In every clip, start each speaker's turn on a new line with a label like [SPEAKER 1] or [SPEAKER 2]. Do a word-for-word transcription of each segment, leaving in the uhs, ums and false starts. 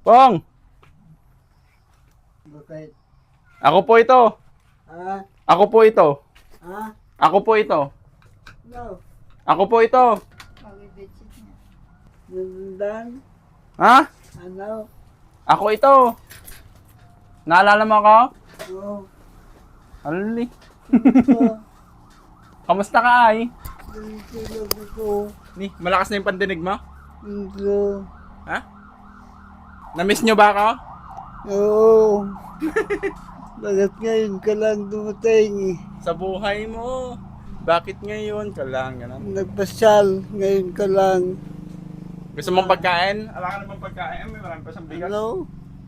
[SPEAKER 1] Pong!
[SPEAKER 2] Bakit?
[SPEAKER 1] Ako po ito.
[SPEAKER 2] Ha?
[SPEAKER 1] Ako po ito.
[SPEAKER 2] Ha?
[SPEAKER 1] Ako po ito.
[SPEAKER 2] No.
[SPEAKER 1] Ako po ito.
[SPEAKER 2] Nandan?
[SPEAKER 1] Ha?
[SPEAKER 2] Ano?
[SPEAKER 1] Ako ito. Naalala mo ako?
[SPEAKER 2] Oo.
[SPEAKER 1] Alali.
[SPEAKER 2] Ito.
[SPEAKER 1] Kamusta ka ay?
[SPEAKER 2] Tulog ako.
[SPEAKER 1] Ni, malakas na yung pandinig mo?
[SPEAKER 2] Ito.
[SPEAKER 1] Ha? Na-miss nyo ba ako?
[SPEAKER 2] Oo. Bakit ngayon ka lang dumating?
[SPEAKER 1] Sa buhay mo. Bakit ngayon ka lang? Ganun.
[SPEAKER 2] Nagpasyal. Ngayon ka lang.
[SPEAKER 1] Gusto mong pagkain? Ala ka naman pagkain. May marami pa siyang bigas.
[SPEAKER 2] Ano?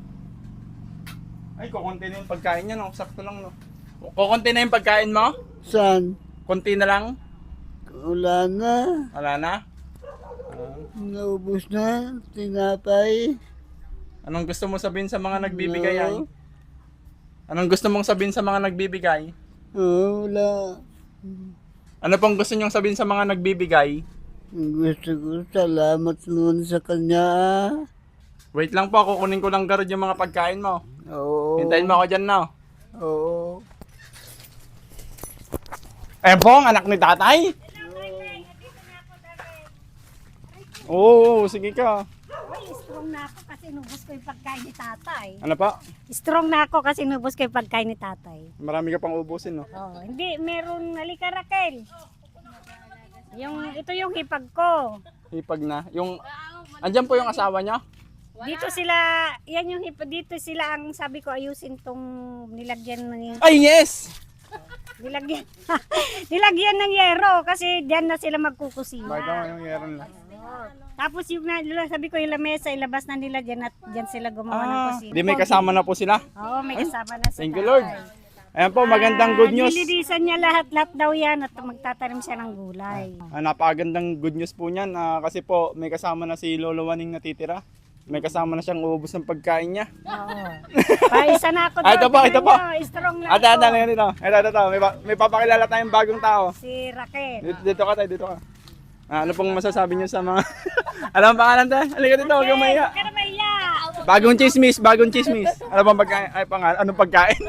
[SPEAKER 1] Ay, kukunti na yung pagkain niya, no? Sakto lang, no? Kukunti na yung pagkain mo?
[SPEAKER 2] Saan?
[SPEAKER 1] Kunti na lang?
[SPEAKER 2] Wala na.
[SPEAKER 1] Wala na? Ah.
[SPEAKER 2] Naubos na. Tinapay.
[SPEAKER 1] Anong gusto mo sabihin sa mga nagbibigay ay?
[SPEAKER 2] No.
[SPEAKER 1] Anong gusto mong sabihin sa mga nagbibigay?
[SPEAKER 2] Oo, wala.
[SPEAKER 1] Ano pong gusto nyong sabihin sa mga nagbibigay?
[SPEAKER 2] Gusto ko, salamat naman sa kanya. ah.
[SPEAKER 1] Wait lang po, kukunin ko lang garod yung mga pagkain mo.
[SPEAKER 2] Oo.
[SPEAKER 1] Hintayin mo ako dyan, no?
[SPEAKER 2] Oo.
[SPEAKER 1] Eh, Bong, anak ni tatay? Oo, sige ka.
[SPEAKER 3] Ay, strong na ako kasi nubos ko yung pagkain ni tatay.
[SPEAKER 1] Ano pa?
[SPEAKER 3] Strong na ako kasi nubos ko yung pagkain ni tatay.
[SPEAKER 1] Marami ka pang ubusin, no?
[SPEAKER 3] Oh, hindi, meron, halika Raquel. Yung, ito yung hipag ko.
[SPEAKER 1] Hipag na. Yung, andyan po yung asawa niya?
[SPEAKER 3] Dito sila, yan yung hipag, dito sila ang sabi ko ayusin tong nilagyan ng,
[SPEAKER 1] Ay, yes!
[SPEAKER 3] nilagyan, nilagyan ng yero kasi diyan na sila magkukusina.
[SPEAKER 1] Baga yung meron na.
[SPEAKER 3] Tapos yung na, sabi ko yung lamesa, ilabas na nila dyan at dyan sila gumawa ng
[SPEAKER 1] Ah,
[SPEAKER 3] kusina.
[SPEAKER 1] di may kasama na po sila.
[SPEAKER 3] Oo, may kasama na sila.
[SPEAKER 1] Thank you, Lord. Ayan po, magandang good news.
[SPEAKER 3] Nililisan niya lahat-lahat daw yan at magtatanim siya ng gulay.
[SPEAKER 1] Ah, napakagandang good news po niyan ah, kasi po may kasama na si Lolo Waning natitira. May kasama na siyang uubos ng pagkain niya.
[SPEAKER 3] Oo. Pa, isa na ako
[SPEAKER 1] Ah,
[SPEAKER 3] doon.
[SPEAKER 1] ito po,
[SPEAKER 3] Tingnan
[SPEAKER 1] ito po.
[SPEAKER 3] niyo, strong na
[SPEAKER 1] Ate, ate,
[SPEAKER 3] ako.
[SPEAKER 1] ate, dito. Ito, ito, ito. May, pa- may papakilala tayong bagong tao.
[SPEAKER 3] Si Raquel.
[SPEAKER 1] Dito, dito ka tayo, dito ka. Ah, ano pong masasabi niyo sa mga... ano ang pangalan tayo? Halika dito, huwag kang mahiya.
[SPEAKER 3] Huwag ka na mahiya.
[SPEAKER 1] Bagong chismis, bagong chismis. Ano bang pagkain? Ay, pangalan? Anong pagkain?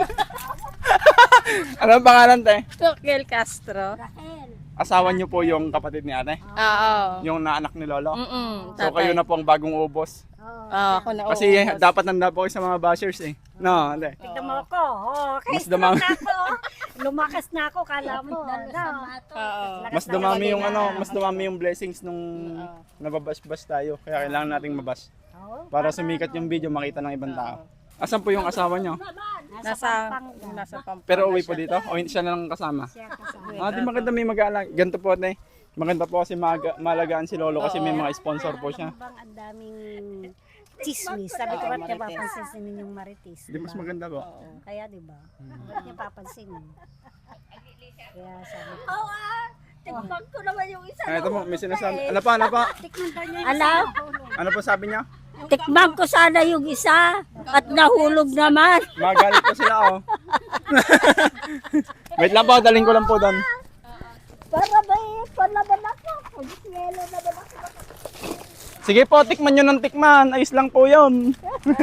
[SPEAKER 1] ano ang pangalan tayo?
[SPEAKER 4] Raquel Castro.
[SPEAKER 3] Raquel.
[SPEAKER 1] Asawa niyo po yung kapatid ni ate?
[SPEAKER 4] Oo.
[SPEAKER 1] Yung naanak ni Lolo?
[SPEAKER 4] Mm-mm.
[SPEAKER 1] So kayo na po ang bagong ubos.
[SPEAKER 4] Oo, ako na.
[SPEAKER 1] Kasi
[SPEAKER 4] oo.
[SPEAKER 1] dapat nanda po kayo sa mga bashers eh. No, hindi.
[SPEAKER 3] Tignan mo ako. Oh, kaya
[SPEAKER 1] Mas
[SPEAKER 3] strong
[SPEAKER 1] dumami.
[SPEAKER 3] na ako. Lumakas na ako, kala mo. No.
[SPEAKER 4] Oo.
[SPEAKER 3] Lakas
[SPEAKER 1] Mas
[SPEAKER 3] na
[SPEAKER 1] dumami
[SPEAKER 3] ako
[SPEAKER 1] yung
[SPEAKER 3] na.
[SPEAKER 1] ano, mas dumami yung blessings nung nababas-bas tayo. Kaya kailangan nating mabas.
[SPEAKER 3] Oo.
[SPEAKER 1] Para sumikat yung video, makita ng ibang tao. Asan po yung asawa nyo?
[SPEAKER 4] Nasa,
[SPEAKER 3] Pampanga.
[SPEAKER 4] nasa Pampanga.
[SPEAKER 1] Pero uwi po dito? O hindi siya na lang kasama?
[SPEAKER 3] Siya kasama.
[SPEAKER 1] Ah, di maganda may mag-aalag. Ganito po ate. Maganda po kasi maaga, malagaan si Lolo kasi may mga sponsor po siya.
[SPEAKER 3] Bang ang daming chismis. Sabi ko, ba't niya papansinin yung marites?
[SPEAKER 1] Di mas maganda po.
[SPEAKER 3] Oo, kaya di ba? Ba't niya papansinin? Kaya sabi ko.
[SPEAKER 4] Tikman ko naman yung isa.
[SPEAKER 1] Ah, ito po, may sinasabi. Ano pa, ano pa?
[SPEAKER 3] Alam,
[SPEAKER 1] Ano po sabi niya?
[SPEAKER 3] tikman ko sana yung isa at nahulog naman.
[SPEAKER 1] Magalit po sila oh. Wait lang po, daling ko lang po doon.
[SPEAKER 3] Para ba eh, palaban ako. Pag-yelo naman ako.
[SPEAKER 1] Sige po, tikman nyo ng tikman. Ayos lang po yun.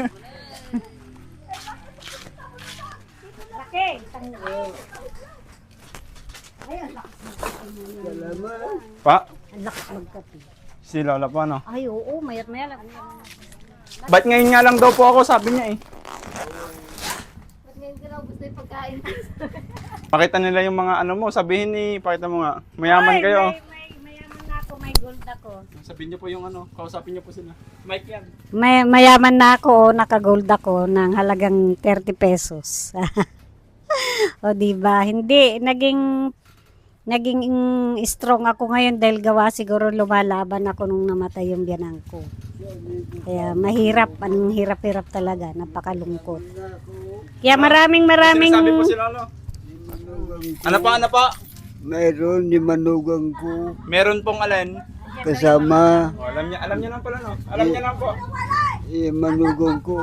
[SPEAKER 3] Okay, tanggol.
[SPEAKER 2] Salamat.
[SPEAKER 1] Pa,
[SPEAKER 3] Ang lakas magkape.
[SPEAKER 1] si Lola po ano.
[SPEAKER 3] Ay, oo, mayat maya lang.
[SPEAKER 1] Ba't ngayon nga lang daw po ako, sabi niya eh.
[SPEAKER 3] Ba't ngayon ka na gusto yung pagkain?
[SPEAKER 1] Pakita nila yung mga ano mo, sabihin ni, pakita mo nga. Mayaman
[SPEAKER 3] Ay,
[SPEAKER 1] kayo.
[SPEAKER 3] May, may, mayaman na ako, may gold ako.
[SPEAKER 1] Sabihin niyo po yung ano, kausapin niyo po sila. Mike yan.
[SPEAKER 3] May, mayaman na ako, naka-gold ako ng halagang thirty pesos. O di ba? Hindi naging naging strong ako ngayon dahil gawa siguro lumalaban ako nung namatay yung biyanang ko. Kaya mahirap, anong hirap-hirap talaga, napakalungkot. Kaya maraming maraming
[SPEAKER 1] Sinasabi po si Lolo. Ano pa, ano pa?
[SPEAKER 2] Mayroon ni manugang ko.
[SPEAKER 1] Meron pong alin.
[SPEAKER 2] Kasama.
[SPEAKER 1] Oh, alam niya, alam niya lang pala no. Alam niya lang po.
[SPEAKER 2] Eh, manugang ko.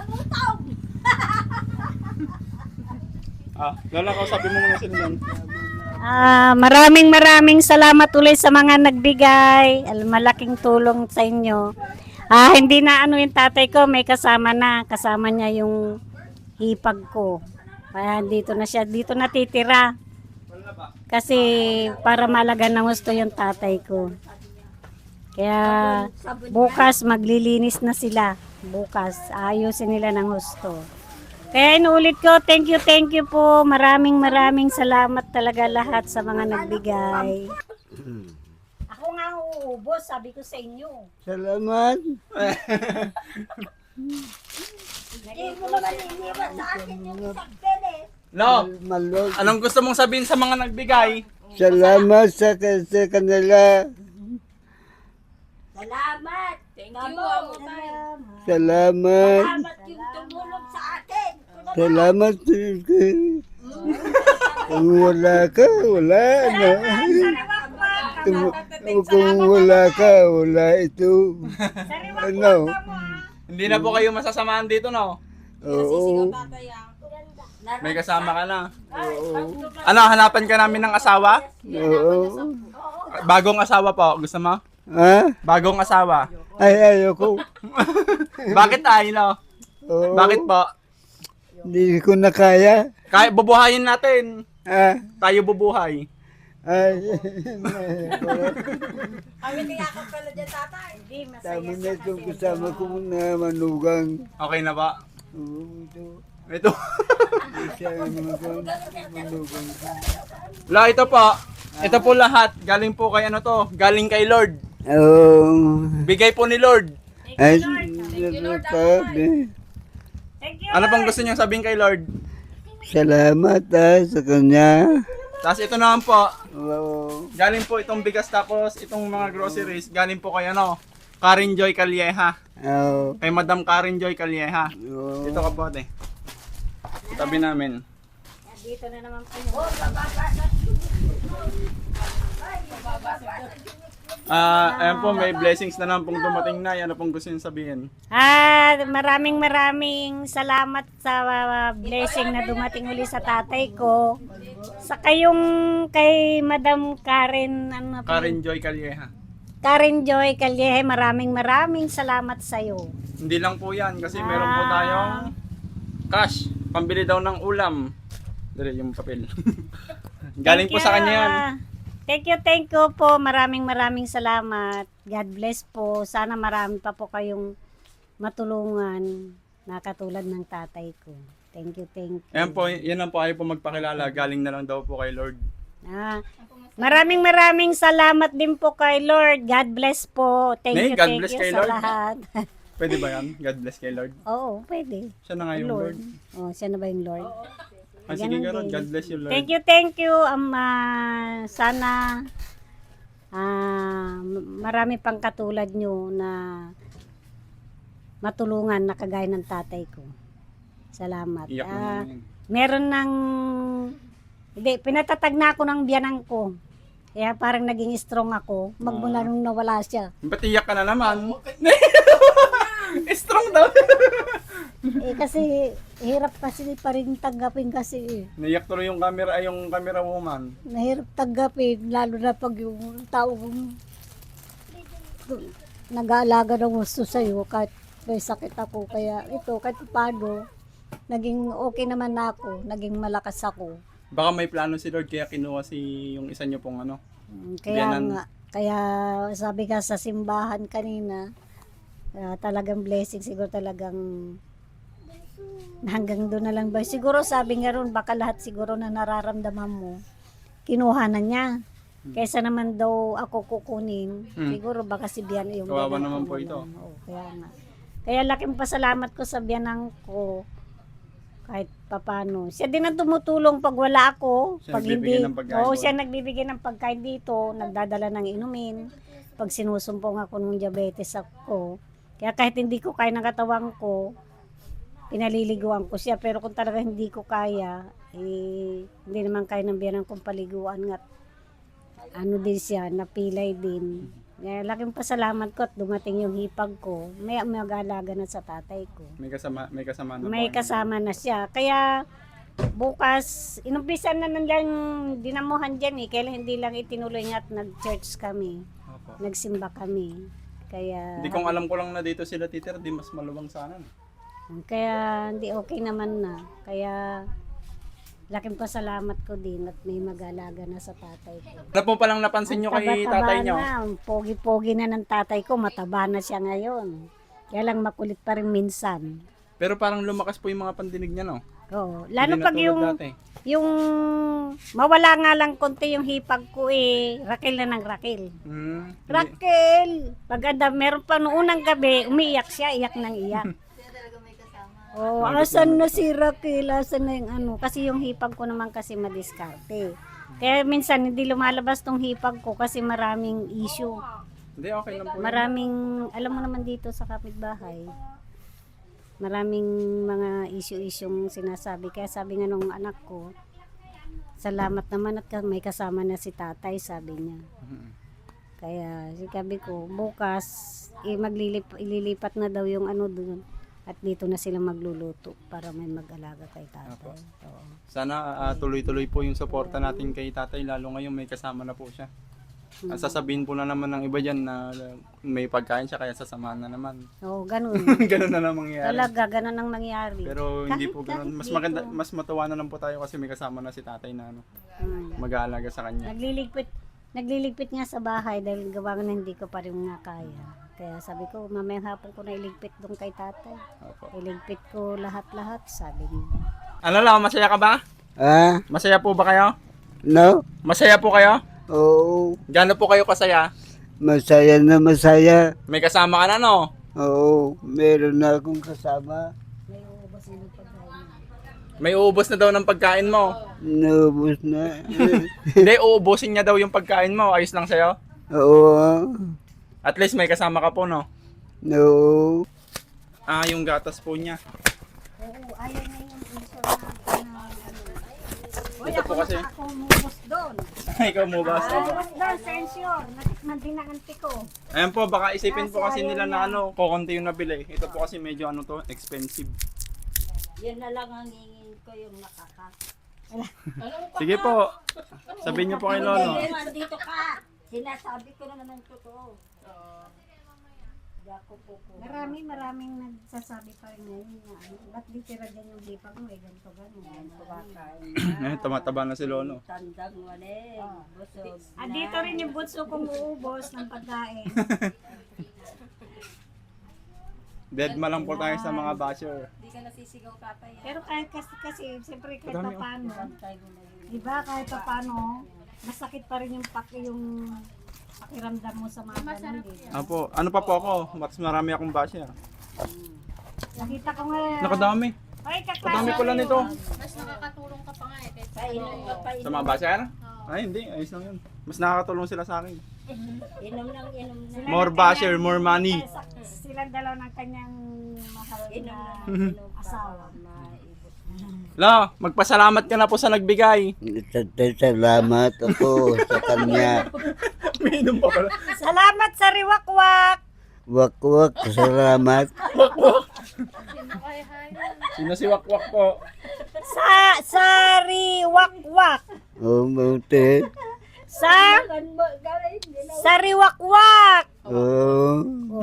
[SPEAKER 1] Ah, Lola, kausapin mo muna sila nun.
[SPEAKER 3] Ah, maraming maraming salamat ulit sa mga nagbigay. Al- Malaking tulong sa inyo. Ah, hindi na ano yung tatay ko, may kasama na. Kasama niya yung hipag ko. Kaya dito na siya, dito natitira. Kasi para malaga ng gusto yung tatay ko. Kaya bukas maglilinis na sila. Bukas ayusin nila ng gusto. Kaya inuulit ko, thank you, thank you po. Maraming maraming salamat talaga lahat sa mga nagbigay. Ako nga uubos, sabi ko sa inyo.
[SPEAKER 2] Salamat.
[SPEAKER 4] Hindi mo naman iniwan sa akin yung isang pene.
[SPEAKER 1] Lo,
[SPEAKER 2] Malog.
[SPEAKER 1] anong gusto mong sabihin sa mga nagbigay?
[SPEAKER 2] Salamat sa, sa kanila.
[SPEAKER 4] Salamat. Thank you, amo tayo.
[SPEAKER 2] Salamat.
[SPEAKER 4] Salamat yung tumulong sa akin.
[SPEAKER 2] Salamat. Kung wala ka, wala na. Kung, kung wala ka, wala ito. Ano?
[SPEAKER 1] Hindi na po kayo masasamahan dito, no?
[SPEAKER 2] Oo.
[SPEAKER 1] May kasama ka na.
[SPEAKER 2] Oo.
[SPEAKER 1] Ano, hanapan ka namin ng asawa?
[SPEAKER 2] Oo.
[SPEAKER 1] Bagong asawa po, gusto mo?
[SPEAKER 2] Ha?
[SPEAKER 1] Bagong asawa.
[SPEAKER 2] Ay, ayoko.
[SPEAKER 1] Bakit tayo, no?
[SPEAKER 2] Oo.
[SPEAKER 1] Bakit po?
[SPEAKER 2] Hindi ko na kaya.
[SPEAKER 1] Kaya bubuhayin natin.
[SPEAKER 2] Ha?
[SPEAKER 1] Tayo bubuhay.
[SPEAKER 2] Ay,
[SPEAKER 4] Kami niyakap ka na dyan, tatay.
[SPEAKER 3] Hindi, masaya
[SPEAKER 2] tama na
[SPEAKER 3] siya
[SPEAKER 2] itong
[SPEAKER 3] kasi.
[SPEAKER 2] kasama ko na manugang.
[SPEAKER 1] Okay na ba?
[SPEAKER 2] Oo, ito.
[SPEAKER 1] Ito.
[SPEAKER 2] Siya ang manugang. Manugang.
[SPEAKER 1] La, ito po. Ito po lahat. Galing po kay ano to? Galing kay Lord.
[SPEAKER 2] Oo.
[SPEAKER 1] Bigay po ni Lord.
[SPEAKER 2] Ay, sabi.
[SPEAKER 3] Thank you.
[SPEAKER 1] Ano pang gusto niyo sabihin kay Lord?
[SPEAKER 2] Salamat ah, sa kanya.
[SPEAKER 1] Tapos ito naman po.
[SPEAKER 2] Oo.
[SPEAKER 1] Galing po itong bigas tapos itong mga groceries. Galing po kay ano? Karen Joy Calieja.
[SPEAKER 2] Oo.
[SPEAKER 1] Kay Madam Karen Joy Calieja.
[SPEAKER 2] Oo.
[SPEAKER 1] Dito ka po ate. Tabi namin.
[SPEAKER 3] Dito na naman po yun.
[SPEAKER 1] Ah, ayan po, may blessings na naman pong dumating na. Ano pong gusto niyo sabihin?
[SPEAKER 3] Ah, maraming maraming salamat sa uh, blessing na dumating uli sa tatay ko. Sa kayong kay Madam Karen, ano po?
[SPEAKER 1] Karen Joy Calieja.
[SPEAKER 3] Karen Joy Calieje, maraming maraming salamat sa iyo.
[SPEAKER 1] Hindi lang po yan kasi meron po tayong cash. Pambili daw ng ulam. Dali yung papel. Galing po sa kanya yan.
[SPEAKER 3] Thank you, thank you po. Maraming maraming salamat. God bless po. Sana marami pa po kayong matulungan na katulad ng tatay ko. Thank you, thank you.
[SPEAKER 1] Ayan po, yan lang po ayaw po magpakilala. Galing na lang daw po kay Lord.
[SPEAKER 3] Ah, maraming maraming salamat din po kay Lord. God bless po. Thank
[SPEAKER 1] Nay,
[SPEAKER 3] you,
[SPEAKER 1] God
[SPEAKER 3] thank
[SPEAKER 1] bless
[SPEAKER 3] you
[SPEAKER 1] kay
[SPEAKER 3] sa
[SPEAKER 1] Lord.
[SPEAKER 3] lahat.
[SPEAKER 1] Pwede ba yan? God bless kay Lord.
[SPEAKER 3] Oo, pwede.
[SPEAKER 1] Siya na nga yung Lord.
[SPEAKER 3] Lord. Oh, siya na ba yung Lord?
[SPEAKER 1] Ah, sige
[SPEAKER 3] Ganun
[SPEAKER 1] ka Lord.
[SPEAKER 3] din.
[SPEAKER 1] God bless you Lord.
[SPEAKER 3] Thank you, thank you. Um, ah, sana ah, marami pang katulad nyo na matulungan na kagaya ng tatay ko. Salamat.
[SPEAKER 1] Iyak na
[SPEAKER 3] Ah,
[SPEAKER 1] naman yun.
[SPEAKER 3] meron ng, hindi, pinatatag na ako ng biyanang ko. Kaya parang naging strong ako. Magmula nung nawala siya.
[SPEAKER 1] Ba't iyak ka na naman? Strong daw.
[SPEAKER 3] Eh kasi, hirap kasi pa rin tanggapin kasi eh.
[SPEAKER 1] Naiyak tuloy yung camera, ay yung camera woman.
[SPEAKER 3] Nahirap tanggapin, lalo na pag yung taong nag-aalaga ng gusto sa'yo, kahit may sakit ako. Kaya ito, kahit paano, naging okay naman na ako, naging malakas ako.
[SPEAKER 1] Baka may plano si Lord kaya kinuha si yung isa niyo pong ano.
[SPEAKER 3] Mm, Kaya
[SPEAKER 1] Biyanan.
[SPEAKER 3] nga, kaya sabi ka sa simbahan kanina, ah, talagang blessing, siguro talagang hanggang doon na lang ba. Siguro sabi nga ron, baka lahat siguro na nararamdaman mo, kinuha na niya. Kaysa naman daw ako kukunin,
[SPEAKER 1] Hmm.
[SPEAKER 3] siguro baka si Bian yung
[SPEAKER 1] Kawawa
[SPEAKER 3] biyanan
[SPEAKER 1] naman
[SPEAKER 3] ko
[SPEAKER 1] po
[SPEAKER 3] na
[SPEAKER 1] ito.
[SPEAKER 3] lang. Oo, kaya nga. Kaya laking pasalamat ko sa biyanang ko, kahit papano. Siya din ang tumutulong pag wala ako.
[SPEAKER 1] Siya
[SPEAKER 3] Pag
[SPEAKER 1] nagbibigay
[SPEAKER 3] hindi,
[SPEAKER 1] ng pagkain
[SPEAKER 3] oo,
[SPEAKER 1] doon.
[SPEAKER 3] siya nagbibigay ng pagkain dito, nagdadala ng inumin. Pag sinusumpong ako ng diabetes ako. Kaya kahit hindi ko kaya ng katawan ko, pinaliliguan ko siya. Pero kung talaga hindi ko kaya, eh, hindi naman kaya ng biyanang kong paliguan nga. Ano din siya, napilay din. Kaya laking pasalamat ko at dumating yung hipag ko. May mag-alaga na sa tatay ko.
[SPEAKER 1] May kasama, may kasama na
[SPEAKER 3] May
[SPEAKER 1] po.
[SPEAKER 3] kasama na siya. Kaya bukas, inumpisan na lang dinamuhan dyan eh. Kaya hindi lang itinuloy nga at nag-church kami.
[SPEAKER 1] Opo.
[SPEAKER 3] Nagsimba kami. Kaya,
[SPEAKER 1] Hindi kong alam ko lang na dito sila titira, di mas maluwang sana. no?
[SPEAKER 3] kaya hindi okay naman na. Kaya, laking pasalamat ko din at may mag-alaga na sa tatay ko.
[SPEAKER 1] Ano po palang napansin nyo kay
[SPEAKER 3] Taba-taba
[SPEAKER 1] tatay nyo?
[SPEAKER 3] na, pogi-pogi na ng tatay ko, mataba na siya ngayon. Kaya lang makulit pa rin minsan.
[SPEAKER 1] Pero parang lumakas po yung mga pandinig niya, no?
[SPEAKER 3] Oo.
[SPEAKER 1] Hindi
[SPEAKER 3] Lalo
[SPEAKER 1] na
[SPEAKER 3] pag
[SPEAKER 1] tulad
[SPEAKER 3] yung,
[SPEAKER 1] dati.
[SPEAKER 3] yung mawala nga lang konti yung hipag ko eh, rakil na ng rakil.
[SPEAKER 1] Hmm, hindi.
[SPEAKER 3] Raquel! Paganda, meron pa noong unang gabi, umiiyak siya, iyak ng iyak. Oh, asan na si Raquel? Asan na yung ano? Kasi yung hipag ko naman kasi madiskarte. Kaya minsan hindi lumalabas tong hipag ko kasi maraming issue.
[SPEAKER 1] Hindi, okay lang po. yun.
[SPEAKER 3] Maraming, alam mo naman dito sa kapitbahay, maraming mga issue-isyong sinasabi. Kaya sabi nga nung anak ko, salamat naman at may kasama na si tatay, sabi niya.
[SPEAKER 1] Mhm.
[SPEAKER 3] Kaya sabi ko, bukas, eh, maglilip, ililipat na daw yung ano doon. At dito na sila magluluto para may mag-alaga kay tatay. Oo.
[SPEAKER 1] Sana ah, tuloy-tuloy po yung suporta natin kay tatay, lalo ngayon may kasama na po siya. Ah, sasabihin po na naman ng iba dyan na uh, may pagkain siya kaya sasamahan na naman.
[SPEAKER 3] Oo, ganun.
[SPEAKER 1] Ganun na lang mangyayari.
[SPEAKER 3] Talaga, ganun ang mangyari.
[SPEAKER 1] Pero hindi
[SPEAKER 3] Kahit-
[SPEAKER 1] po ganun.
[SPEAKER 3] kahit
[SPEAKER 1] Mas
[SPEAKER 3] dito.
[SPEAKER 1] maganda, mas matuwa na lang po tayo kasi may kasama na si tatay na ano,
[SPEAKER 3] Hmm.
[SPEAKER 1] mag-aalaga sa kanya.
[SPEAKER 3] Nagliligpit, nagliligpit nga sa bahay dahil gawa nga na hindi ko pa rin nga kaya. Kaya sabi ko, mamayang hapon ko na iligpit doon kay tatay.
[SPEAKER 1] Opo.
[SPEAKER 3] Iligpit ko lahat-lahat, sabi niya.
[SPEAKER 1] Ano lang, masaya ka ba?
[SPEAKER 2] Ah,
[SPEAKER 1] Masaya po ba kayo?
[SPEAKER 2] no?
[SPEAKER 1] Masaya po kayo?
[SPEAKER 2] Oo,
[SPEAKER 1] Gaano po kayo kasaya?
[SPEAKER 2] masaya na masaya.
[SPEAKER 1] May kasama ka na, no?
[SPEAKER 2] Oo, meron na akong kasama.
[SPEAKER 3] May uubos na ng pagkain.
[SPEAKER 1] May uubos na daw ng pagkain mo.
[SPEAKER 2] Naubos na.
[SPEAKER 1] Hindi, uubusin niya daw yung pagkain mo. Ayos lang sa'yo?
[SPEAKER 2] Oo,
[SPEAKER 1] At least may kasama ka po, no?
[SPEAKER 2] no.
[SPEAKER 1] Ah, yung gatas po niya.
[SPEAKER 3] Oo, ayaw niya yung uso na, na ano. Uy,
[SPEAKER 1] Ito
[SPEAKER 3] ako
[SPEAKER 1] po kasi.
[SPEAKER 3] na ako umubos doon.
[SPEAKER 1] Ikaw mo ba?
[SPEAKER 3] Umubos doon, sensyor. Natikman din ang auntie ko.
[SPEAKER 1] Ayan po, baka isipin po kasi
[SPEAKER 3] Kasi
[SPEAKER 1] nila
[SPEAKER 3] ayaw
[SPEAKER 1] na
[SPEAKER 3] niya.
[SPEAKER 1] ano, kukunti yung nabili. Ito po kasi medyo ano to, expensive.
[SPEAKER 4] Yan na lang ang hingin ko yung nakaka.
[SPEAKER 1] Sige po. Sabihin niyo po kay Lolo.
[SPEAKER 4] Dito ka. Sinasabi ko naman ng totoo. Dako po po.
[SPEAKER 3] Marami, maraming nagsasabi pa rin ngayon na ano, ba't di tira dyan yung hipag mo, eh, ganito, ganito.
[SPEAKER 1] Eh, tumataba na si Lolo.
[SPEAKER 4] Tandang wala eh. Busog.
[SPEAKER 3] Ah, dito rin yung butso kong uubos ng pagkain.
[SPEAKER 1] Dead ma lang po tayo sa mga basher.
[SPEAKER 3] Pero kahit kasi, kasi siyempre kahit
[SPEAKER 1] Madami, oh.
[SPEAKER 3] pa paano, di ba kahit pa paano, masakit pa rin yung paki yung pakiramdam mo sa mga ganun, di ba?
[SPEAKER 1] Apo, ano pa po ako? Mas marami akong basher.
[SPEAKER 3] Nakita ko nga,
[SPEAKER 1] Nakadami.
[SPEAKER 3] ay
[SPEAKER 1] Kadami
[SPEAKER 3] kaklase
[SPEAKER 1] pala nito.
[SPEAKER 5] Mas nakakatulong ka pa nga eh. Kahit
[SPEAKER 4] Painom ka pa.
[SPEAKER 1] Sa mga basher? Ay, hindi. Ayos lang yun. Mas nakakatulong sila sa akin.
[SPEAKER 4] Inom lang, inom na.
[SPEAKER 1] More basher, more money.
[SPEAKER 3] silang dalaw ng kanyang mahal
[SPEAKER 4] Inom
[SPEAKER 3] na
[SPEAKER 4] lang, inom ka.
[SPEAKER 3] asawa.
[SPEAKER 4] Maibos.
[SPEAKER 1] La, magpasalamat ka na po sa nagbigay.
[SPEAKER 2] Salamat ako sa kanya.
[SPEAKER 1] Minum pa pala.
[SPEAKER 3] Salamat sa riwakwak!
[SPEAKER 2] Wakwak, salamat.
[SPEAKER 1] Sino si Wakwak po?
[SPEAKER 3] Sa, sa riwakwak!
[SPEAKER 2] Oh, buti.
[SPEAKER 3] Sa,
[SPEAKER 4] Kan mo, gawin.
[SPEAKER 3] sa riwakwak!
[SPEAKER 2] Oh,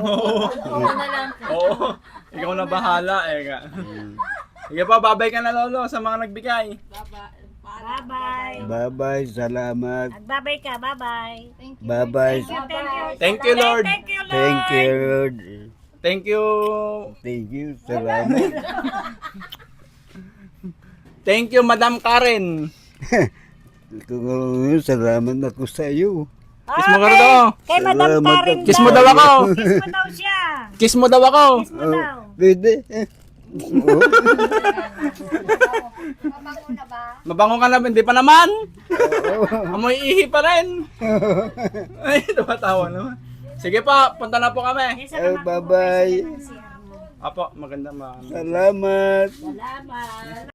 [SPEAKER 1] Oo. Ikaw na bahala eh. ka. Sige pa, babay ka na Lolo sa mga nagbigay.
[SPEAKER 3] Bye-bye!
[SPEAKER 2] bye-bye, salamat.
[SPEAKER 3] Nagbabay ka, bye-bye!
[SPEAKER 2] Bye-bye.
[SPEAKER 3] Thank you,
[SPEAKER 1] Thank you, Lord.
[SPEAKER 3] Thank you, Lord!
[SPEAKER 2] Thank you, Lord.
[SPEAKER 1] Thank you.
[SPEAKER 2] Thank you, salamat.
[SPEAKER 1] Thank you, Madam Karen.
[SPEAKER 2] Kung salamat ako sa iyo.
[SPEAKER 1] Kiss mo ka rin daw.
[SPEAKER 3] Kay Madam
[SPEAKER 2] Salamat
[SPEAKER 3] Karen
[SPEAKER 2] ako.
[SPEAKER 1] Kiss mo daw ako.
[SPEAKER 3] Kiss mo daw siya!
[SPEAKER 1] Kiss mo daw ako.
[SPEAKER 3] Kiss mo daw!
[SPEAKER 2] Pwede. Oh,
[SPEAKER 4] Mabango na ba?
[SPEAKER 1] Mabango ka na, hindi pa naman. Amoy ihi pa rin. Ay, tumatawa naman. Sige pa, punta na po kami.
[SPEAKER 2] oh, bye-bye.
[SPEAKER 1] Apo, maganda ma.
[SPEAKER 2] Salamat.
[SPEAKER 4] Salamat.